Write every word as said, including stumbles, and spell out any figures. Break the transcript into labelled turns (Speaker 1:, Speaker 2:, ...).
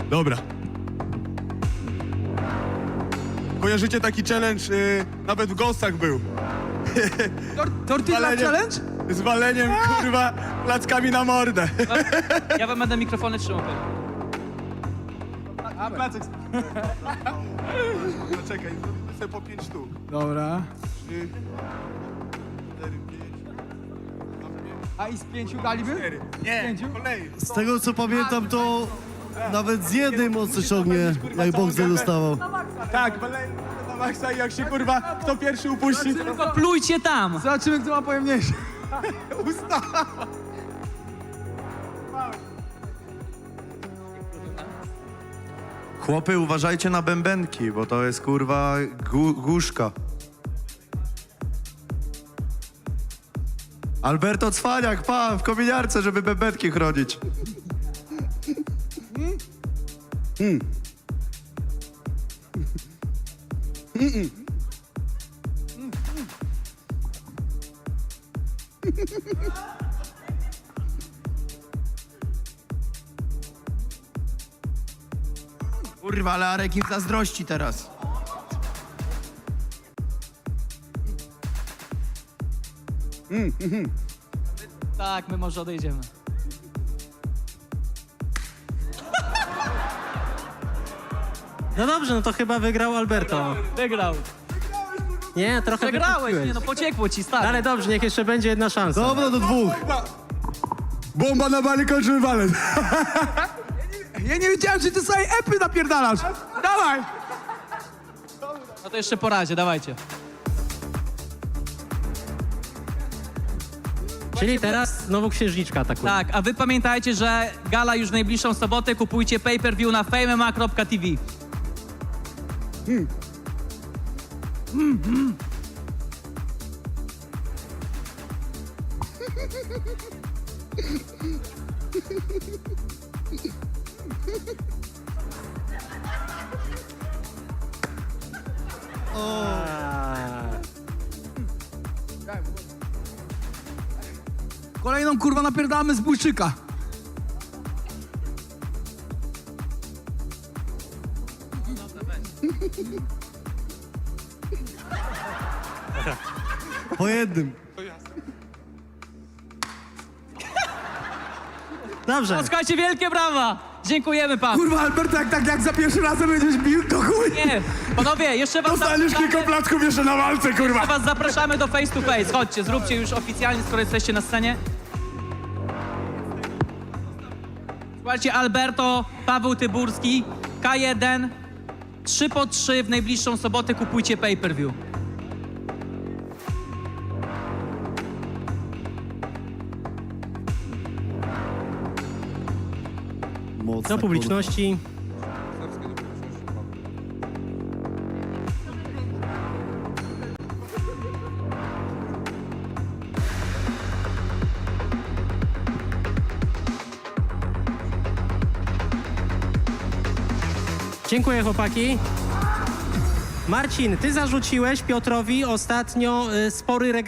Speaker 1: Dobra. Kojarzycie taki challenge, yy, nawet w Ghostach był.
Speaker 2: Tor tortilla
Speaker 1: Walenie-
Speaker 2: challenge?
Speaker 1: Z waleniem, kurwa, plackami na mordę.
Speaker 3: Ja wam będę mikrofony trzymał.
Speaker 1: Placek. No czekaj, zrobimy sobie po pięć sztuk.
Speaker 2: Dobra.
Speaker 1: Trzy, cztery, pięć.
Speaker 2: A i z pięciu daliby?
Speaker 1: Cztery. Nie,
Speaker 2: Pięciu?
Speaker 1: po kolei.
Speaker 4: Z tego co pamiętam, to nawet z jednej mocno ciągnie, jak Boxer dostawał.
Speaker 1: Tak, walenie na maksa i jak się, kurwa, kto pierwszy upuści, to
Speaker 3: Tylko plujcie tam!
Speaker 2: Zobaczymy, kto ma pojemniejszy.
Speaker 1: usta.
Speaker 5: Chłopy, uważajcie na bębenki, bo to jest kurwa gu guszka. Alberto Cwaniak, pa, w kominiarce, żeby bębenki chronić.
Speaker 6: Kurwa, ale Arek im zazdrości teraz.
Speaker 3: Tak, my może odejdziemy.
Speaker 7: No dobrze, no to chyba wygrał Alberto.
Speaker 3: Wygrał.
Speaker 7: Nie, trochę
Speaker 3: Przegrałeś,
Speaker 7: wykupiłeś.
Speaker 3: nie no, pociekło ci, stary.
Speaker 7: Ale dobrze, niech jeszcze będzie jedna szansa.
Speaker 4: Dobra, do dwóch.
Speaker 1: Bomba na bali, kończymy walent.
Speaker 2: Ja nie wiedziałem, czy ty sobie epy napierdalasz. Dawaj!
Speaker 3: No to jeszcze po razie, dawajcie.
Speaker 7: Czyli teraz znowu księżniczka atakuje.
Speaker 3: Tak, a wy pamiętajcie, że gala już w najbliższą sobotę, kupujcie pay-per-view na fame m m a kropka t v.
Speaker 2: Kolejną kurwa napierdalamy z bójczyka.
Speaker 4: Po jednym.
Speaker 7: Dobrze.
Speaker 3: No, słuchajcie, wielkie brawa! Dziękujemy panu.
Speaker 2: Kurwa, Alberto, jak tak jak za pierwszy razem będziesz bił, to chuj.
Speaker 3: Nie, panowie, jeszcze was
Speaker 1: Dostaniesz kilka
Speaker 3: zapraszamy,
Speaker 1: placków jeszcze na walce, kurwa.
Speaker 3: jeszcze was zapraszamy do face to face. Chodźcie, zróbcie już oficjalnie, skoro jesteście na scenie. Słuchajcie, Alberto, Paweł Tyburski, K jeden, trzy po trzy w najbliższą sobotę kupujcie pay-per-view.
Speaker 4: Mocno.
Speaker 7: Do publiczności. Dziękuję, chłopaki. Marcin, ty zarzuciłeś Piotrowi ostatnio y, spory regał.